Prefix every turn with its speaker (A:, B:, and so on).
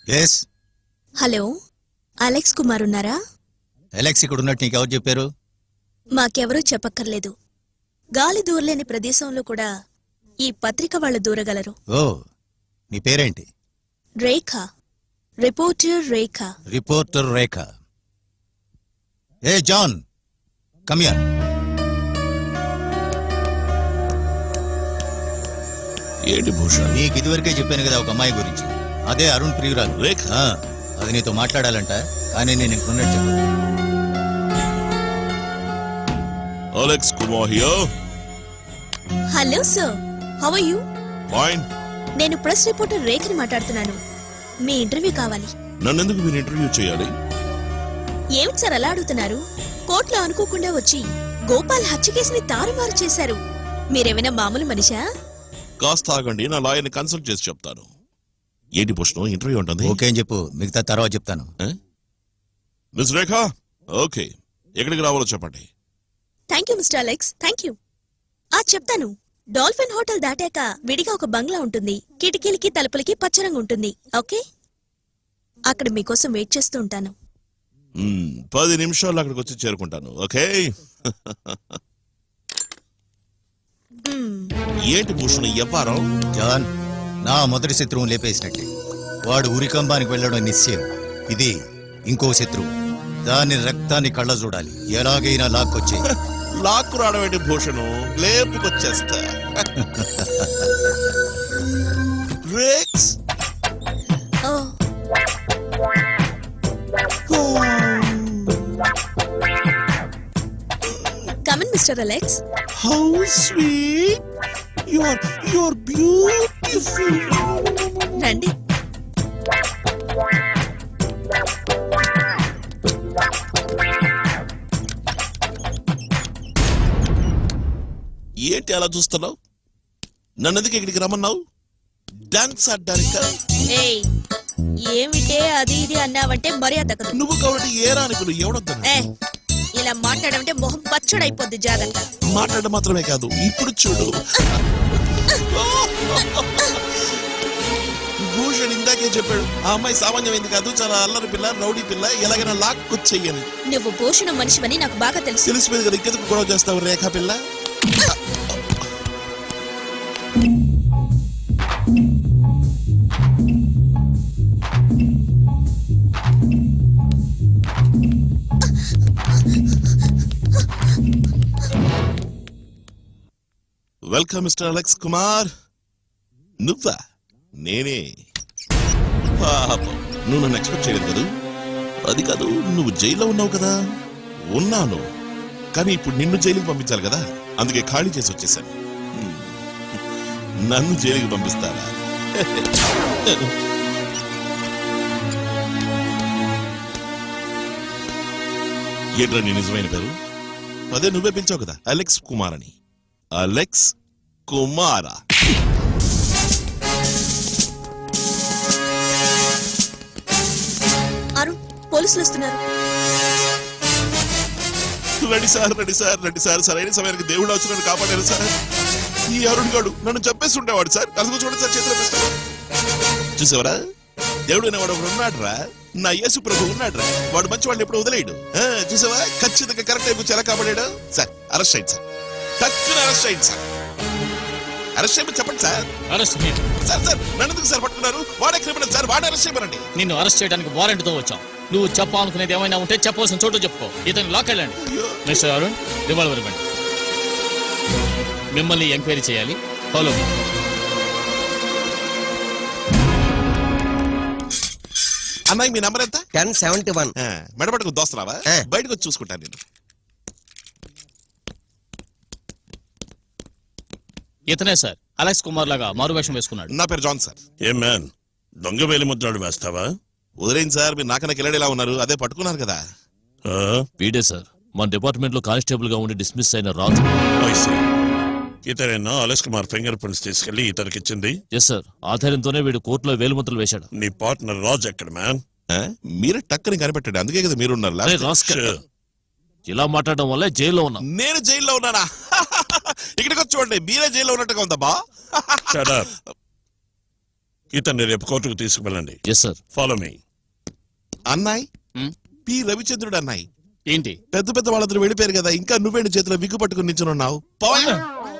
A: Yes.
B: Hello, Alex Kumar ఉన్నారా?
A: Alex ఇక్కడ ఉన్నట్టు నీకెవరు చెప్పారు?
B: మాకెవరూ చెప్పక్కర్లేదు. గాలి దూరలేని ప్రదేశంలో కూడా ఈ పత్రిక వాళ్ళు దూరగలరు.
A: ఓ, నీ పేరేంటి?
B: రేఖ, రిపోర్టర్ రేఖ.
A: రిపోర్టర్ రేఖ. ఏ జాన్, కమ్ హియర్.
C: ఏంటి భూషణ్?
A: నీకు ఇదివరకే చెప్పాను కదా ఒక అమ్మాయి గురించి. అదే అరుణ్ ప్రియురాలు
C: రేఖ.
A: అది నీతో మాట్లాడాలంట, కానీ నేను ఇంకున్నట్టు చెప్పాను.
C: Alex Kumar here.
B: Hello sir, how are you?
C: Fine.
B: నేను ప్రెస్ రిపోర్టర్ రేఖని మాట్లాడుతున్నాను. మీ ఇంటర్వ్యూ కావాలి.
C: నన్నెందుకు మీరు ఇంటర్వ్యూ చేయాలి?
B: ఏమిటి సార్ అలా అడుగుతున్నారు? కోర్టులో అనుకోకుండా వచ్చి గోపాల్ హత్య కేసుని తారుమారు చేశారు. మీరేమైనా మామూలు మనిషా?
C: కాస్త ఆగండి, నా లాయర్ని కన్సల్ట్ చేసి చెప్తాను. ఏంటి భూషణ్, ఇంటర్వ్యూ ఉంటుంది?
A: ఓకే అని చెప్పు, మిగతా తర్వాత చెప్తాను.
C: మిస్ రేఖ, ఓకే, ఎక్కడికి రావాలో చెప్పండి.
B: Thank you mister Alex, thank you. చెప్తాను. డాల్ఫిన్ హోటల్ దాటాక విడిగా ఒక బంగ్లా ఉంటుంది. కిటికీలకి తలుపులకి పచ్చరంగు ఉంటుంది. ఓకే, అక్కడ మీకోసం వెయిట్ చేస్తూ ఉంటాను.
C: 10 నిమిషాల్లో అక్కడికి వచ్చి చేరుకుంటాను. ఓకే. ఏంటి భూషణ్ వ్యవహారం?
A: జాన్, నా మొదటి శత్రువుని లేపేసినట్టే. వాడు ఉరికంబానికి వెళ్ళడం నిశ్చయం. ఇది ఇంకో శత్రువు. దాని రక్తాన్ని కళ్ళ చూడాలి. ఎలాగైనా లాక్కొచ్చే.
C: లాక్కు రావడం ఏంటి భూషణ్, లేపుకొచ్చేస్తా. Rex.
B: Come in, Mr. Alex.
C: How sweet. You're beautiful.
B: రండి.
C: ఏంటి అలా చూస్తున్నావు? నన్నెందుకు ఇక్కడికి రమ్మన్నావు? డాన్స్ ఆడడానికా?
B: ఏయ్, ఏమిటే అది ఇది అన్నావంటే మర్యాద దక్కదు.
C: నువ్వు కాబట్టి ఏ రానికులు ఎవడొద్దా?
B: ఇలా మాట్లాడమంటే మొహం పచ్చడైపోద్ది. జాగ్రత్త.
C: మాట్లాడడం మాత్రమే కాదు, ఇప్పుడు చూడు. భూషణ్ ఇందాకే చెప్పాడు, ఆ అమ్మాయి సామాన్యమైంది కాదు, చాలా అల్లరి పిల్ల, రౌడీ పిల్ల, ఎలాగైనా లాక్కొచ్చేయని.
B: నువ్వు భూషణం మనిషివని నాకు బాగా తెలుసు.
C: తెలిసిపోయింది కదా, ఇంకెందుకు గొడవ చేస్తావు రేఖా పిల్ల? Welcome mister Alex Kumar. నువ్వా? నేనే. పాపం, నువ్వు నన్ను ఎక్స్పెక్ట్ చేయలేదు కదా. అది కాదు, నువ్వు జైల్లో ఉన్నావు కదా. ఉన్నాను, కానీ ఇప్పుడు నిన్ను జైలుకి పంపించాలి కదా, అందుకే ఖాళీ చేసి వచ్చేసాను. నన్ను జైలుకి పంపిస్తారా? ఏంట్రా నీ నిజమైన పేరు? అదే నువ్వే పిలిచావు కదా, అలెక్స్ కుమార్ అని. అలెక్స్ కుమారా?
B: అరుణ్, పోలీసులు వస్తున్నారు.
C: Ready sir, ready sir, ready sir. సరైన సమయానికి దేవుడు వచ్చి నన్ను కాపాడారు సార్. ఈ అరుణ్ గాడు నన్ను చంపేసి ఉండేవాడు సార్. అసలు చూడండి సార్, చేతిలో పిస్తాడు. చూసావరా, దేవుడు అనేవాడు ఒకడు ఉన్నాడురా. నా యేసు ప్రభు ఉన్నాడురా. వాడు మంచి వాడిని ఎప్పుడు వదిలేయడు. చూసావా, ఖచ్చితంగా కరెక్ట్ అయిపోయి ఎలా కాపాడాడు సార్. అరెస్ట్ అయ్యింది సార్, తక్కువ అరెస్ట్ అయ్యింది సార్. అరెస్ట్ చేయమని చెప్పండి సార్.
D: అరెస్ట్
C: సార్ సార్, నన్ను ఎందుకు సార్ పట్టుకున్నారు? వాడే క్రిమినల్ సార్, వాడే అరెస్ట్ చేయమనండి.
D: నిన్ను అరెస్ట్ చేయడానికి వారెంట్ తో వచ్చాం. నువ్వు చెప్పాలనుకునేది ఏమైనా ఉంటే చెప్పవలసిన చోటు చెప్పుకో. ఇతను లాక్ వెళ్ళండి. మిస్టర్ అరుణ్, రివాల్వర్ ఇవ్వండి. మిమ్మల్ని ఎంక్వైరీ చేయాలి. ఫాలో.
C: అమ్మాయి మీ నంబర్ ఎంత?
E: 1071.
C: మెడపడకు దోస్తరావా? బయటకు వచ్చి చూసుకుంటాను నేను.
D: ఇతనే సార్, అలెక్స్ కుమార్ లాగా మారువేషం వేసుకున్నాడు.
C: నా పేరు జాన్ సార్.
F: ఏ మ్యాన్, దొంగ వేలి ముద్రాడు వేస్తావా?
C: వదిలేండి సార్, మీరు నాకన్నా కిలాడిలా ఉన్నారు. అదే పట్టుకున్నారు కదా.
D: వీడే సార్, మన డిపార్ట్మెంట్ లో కానిస్టేబుల్ గా ఉండి డిస్మిస్ అయిన రాజు.
F: ఇతనేనా అలెక్స్ కుమార్ ఫింగర్ ప్రింట్స్ తీసుకెళ్లి ఇతనికి ఇచ్చింది?
D: ఎస్ సార్, ఆధారంతోనే వీడు కోర్టులో వేలుముద్రలు వేశాడు.
F: నీ పార్ట్నర్ రాజ్ ఎక్కడ మ్యాన్?
C: మీరే టక్కని కనిపెట్టాడు, అందుకే కదా మీరున్నారు.
D: ఇలా మాట్లాడడం వల్ల జైల్లో ఉన్నా.
C: నేను జైల్లో ఉన్నానా? ఇక్కడికి వచ్చి చూడండి, మీరే జైల్లో ఉన్నట్టుగా ఉందా బా?
F: ఇతన్ని రేపు కోర్టుకు తీసుకువెళ్ళండి.
D: Yes sir.
F: Follow me.
C: అన్నాయ్ పి రవిచంద్రుడు అన్నాయ్
D: ఏంటి?
C: పెద్ద పెద్ద వాళ్ళందరూ వెళ్ళిపోయారు కదా, ఇంకా నువ్వేంటి చేతిలో విగ్గు పట్టుకుని నించున్నావు?